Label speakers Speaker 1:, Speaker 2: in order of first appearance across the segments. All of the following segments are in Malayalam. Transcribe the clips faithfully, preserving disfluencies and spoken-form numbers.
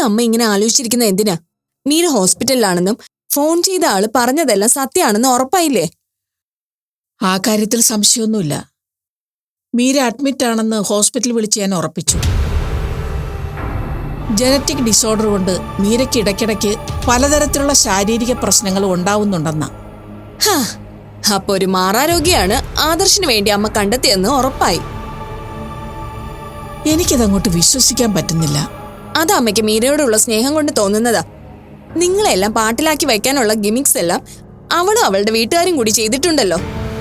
Speaker 1: അമ്മ ഇങ്ങനെ ആലോചിച്ചിരിക്കുന്നത് എന്തിനാ? മീര ഹോസ്പിറ്റലിലാണെന്നും ഫോൺ ചെയ്ത ആള് പറഞ്ഞതെല്ലാം സത്യമാണെന്ന് ഉറപ്പായില്ലേ?
Speaker 2: ആ കാര്യത്തിൽ സംശയമൊന്നുമില്ല. മീര അഡ്മിറ്റ് ആണെന്ന് ഹോസ്പിറ്റൽ വിളിച്ച് ഞാൻ ഉറപ്പിച്ചു. ജനറ്റിക് ഡിസോർഡർ കൊണ്ട് മീരയ്ക്ക് ഇടയ്ക്കിടയ്ക്ക് പലതരത്തിലുള്ള ശാരീരിക പ്രശ്നങ്ങൾ ഉണ്ടാവുന്നുണ്ടെന്ന.
Speaker 1: അപ്പൊ ഒരു മാറാരോഗിയാണ് ആദർശിന് വേണ്ടി അമ്മ കണ്ടെത്തിയെന്ന് ഉറപ്പായി.
Speaker 2: എനിക്കിതങ്ങോട്ട് വിശ്വസിക്കാൻ പറ്റുന്നില്ല.
Speaker 1: അത് അമ്മയ്ക്ക് മീരയോടുള്ള സ്നേഹം കൊണ്ട് തോന്നുന്നതാ. നിങ്ങളെല്ലാം പാട്ടിലാക്കി വയ്ക്കാനുള്ള ഗിമിക്സ് എല്ലാം അവളും അവളുടെ വീട്ടുകാരും കൂടി ചെയ്തിട്ടുണ്ടല്ലോ.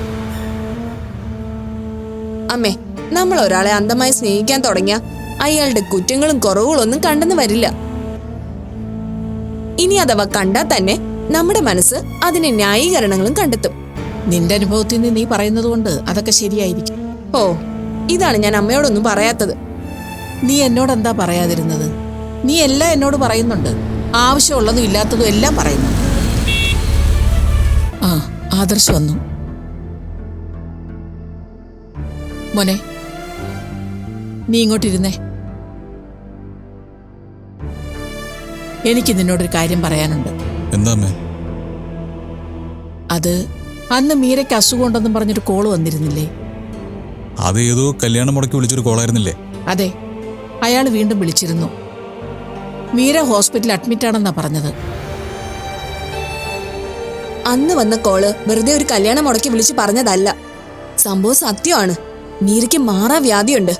Speaker 1: അമ്മേ, നമ്മൾ ഒരാളെ അന്ധമായി സ്നേഹിക്കാൻ തുടങ്ങിയ അയാളുടെ കുറ്റങ്ങളും കുറവുകളൊന്നും കണ്ടെന്ന് വരില്ല. ഇനി അഥവാ കണ്ടാൽ തന്നെ നമ്മുടെ മനസ്സ് അതിന് ന്യായീകരണങ്ങളും കണ്ടെത്തും.
Speaker 2: നിന്റെ അനുഭവത്തിൽ നിന്ന് നീ പറയുന്നത് കൊണ്ട് അതൊക്കെ ശരിയായിരിക്കും.
Speaker 1: ഓ, ഇതാണ് ഞാൻ അമ്മയോടൊന്നും പറയാത്തത്.
Speaker 2: നീ എന്നോടെന്താ പറയാതിരുന്നത്? നീ എല്ലാം എന്നോട് പറയുന്നുണ്ട്. ആവശ്യമുള്ളതും ഇല്ലാത്തതും എല്ലാം പറയുന്നുണ്ട്. ആ, ആദർശ് വന്നു. മോനെ, നീ ഇങ്ങോട്ടിരുന്നേ. എനിക്ക് നിന്നോടൊരു കാര്യം പറയാനുണ്ട്.
Speaker 3: എന്താ?
Speaker 2: അത് അന്ന് മീരയ്ക്ക് അസുഖം ഉണ്ടെന്നും പറഞ്ഞൊരു കോള് വന്നിരുന്നില്ലേ?
Speaker 3: അത് ഏതോ കല്യാണം മുടക്കി വിളിച്ചൊരു കോളായിരുന്നില്ലേ?
Speaker 2: അതെ, അയാൾ വീണ്ടും വിളിച്ചിരുന്നു. മീര ഹോസ്പിറ്റലിൽ അഡ്മിറ്റ് ആണെന്നാ പറഞ്ഞത്.
Speaker 1: അന്ന് വന്ന കോള് വെറുതെ ഒരു കല്യാണം മുടക്കി വിളിച്ച് പറഞ്ഞതല്ല. സംഭവം സത്യമാണ്. മീരയ്ക്ക് മാറാ വ്യാധിയുണ്ട്.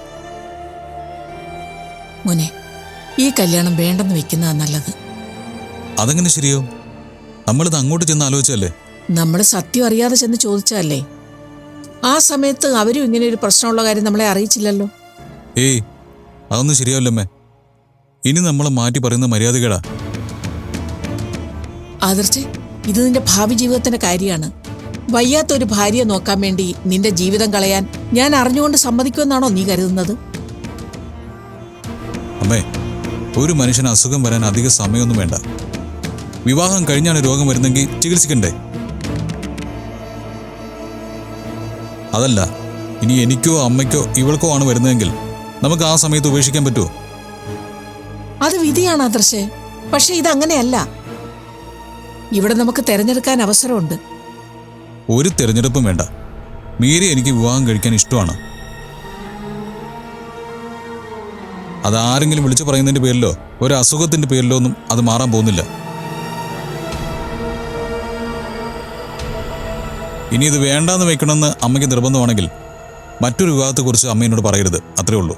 Speaker 2: മോനെ, ഈ കല്യാണം വേണ്ടെന്ന് വെക്കുന്നതാ നല്ലത്.
Speaker 3: അതെങ്ങനെ ശരിയോ? നമ്മളിത് അങ്ങോട്ട് ചെന്ന് ആലോചിച്ചല്ലേ?
Speaker 2: നമ്മൾ സത്യം അറിയാതെ ചെന്ന് ചോദിച്ചല്ലേ. ആ സമയത്ത് അവരും ഇങ്ങനെ ഒരു പ്രശ്നമുള്ള കാര്യം നമ്മളെ അറിയിച്ചില്ലല്ലോ.
Speaker 3: ഏയ്, അതൊന്നും ശരിയാവില്ലമ്മേ. ഇനി നമ്മളെ മാറ്റി പറയുന്ന മര്യാദകേടാ.
Speaker 2: ആദർശ്, ഇത് നിന്റെ ഭാവി ജീവിതത്തിന്റെ കാര്യമാണ്. വയ്യാത്തൊരു ഭാര്യയെ നോക്കാൻ വേണ്ടി നിന്റെ ജീവിതം കളയാൻ ഞാൻ അറിഞ്ഞുകൊണ്ട് സമ്മതിക്കുമെന്നാണോ നീ കരുതുന്നത്?
Speaker 3: അമ്മേ, ഒരു മനുഷ്യന് അസുഖം വരാൻ അധിക സമയമൊന്നും വേണ്ട. വിവാഹം കഴിഞ്ഞാണ് രോഗം വരുന്നെങ്കിൽ ചികിത്സിക്കണ്ടേ? അതല്ല, ഇനി എനിക്കോ അമ്മയ്ക്കോ ഇവൾക്കോ ആണ് വരുന്നതെങ്കിൽ നമുക്ക് ആ സമയത്ത് ഉപേക്ഷിക്കാൻ പറ്റുമോ?
Speaker 2: അത് വിധിയാണ് ആദർശേ. പക്ഷെ ഇതങ്ങനെയല്ല. ഇവിടെ നമുക്ക് തെരഞ്ഞെടുക്കാൻ അവസരമുണ്ട്.
Speaker 3: ഒരു തെരഞ്ഞെടുപ്പും വേണ്ട. മീര എനിക്ക് വിവാഹം കഴിക്കാൻ ഇഷ്ടമാണ്. അതാരെങ്കിലും വിളിച്ചു പറയുന്നതിന്റെ പേരിലോ ഒരു അസുഖത്തിന്റെ പേരിലോ ഒന്നും അത് മാറാൻ പോകുന്നില്ല. ഇനി ഇത് വേണ്ടാന്ന് വെക്കണമെന്ന് അമ്മയ്ക്ക് നിർബന്ധമാണെങ്കിൽ മറ്റൊരു വിവാഹത്തെക്കുറിച്ച് അമ്മ എന്നോട് പറയരുത്. അത്രേ ഉള്ളൂ.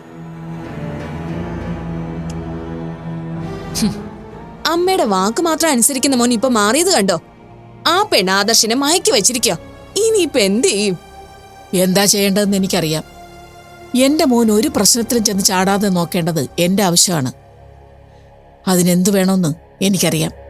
Speaker 1: അമ്മയുടെ വാക്ക് മാത്രം അനുസരിക്കുന്ന മോൻ ഇപ്പൊ മാറിയത് കണ്ടോ? ആ പെണ്ണ് ആദർശിനെ മയക്കി വെച്ചിരിക്കോ. ഇനിയിപ്പൊ എന്ത് ചെയ്യും?
Speaker 2: എന്താ ചെയ്യേണ്ടതെന്ന് എനിക്കറിയാം. എന്റെ മോൻ ഒരു പ്രശ്നത്തിലും ചെന്ന് ചാടാതെ നോക്കേണ്ടത് എന്റെ ആവശ്യമാണ്. അതിനെന്തു വേണമെന്ന് എനിക്കറിയാം.